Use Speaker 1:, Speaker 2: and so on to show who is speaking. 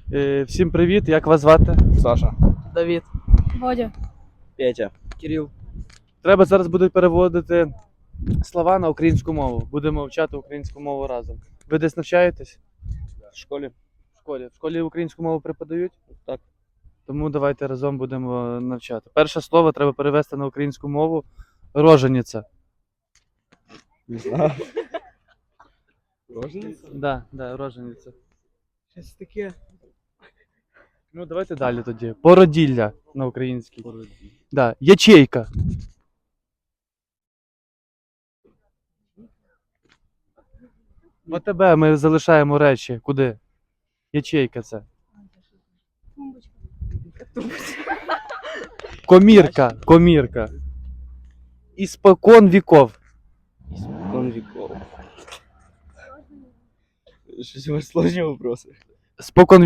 Speaker 1: Всім привіт, як вас звати?
Speaker 2: Саша.
Speaker 1: Давід.
Speaker 3: Водя.
Speaker 2: Петя. Кирил.
Speaker 1: Треба зараз буде переводити слова на українську мову. Будемо вчати українську мову разом. Ви десь навчаєтесь?
Speaker 2: В школі.
Speaker 1: В школі. В школі українську мову преподають?
Speaker 2: Так.
Speaker 1: Тому давайте разом будемо навчати. Перше слово треба перевести на українську мову. Рожениця.
Speaker 2: Не знаю. Рожениця?
Speaker 1: Да, рожениця.
Speaker 2: Щось таке.
Speaker 1: Ну, давайте далі тоді. Породілля на українській. Да. Ячейка. В АТБ ми залишаємо речі. Куди? Ячейка це. Комірка. Комірка. Іспокон віков.
Speaker 2: Испокон веков. Что-то сложные вопросы.
Speaker 1: Спокон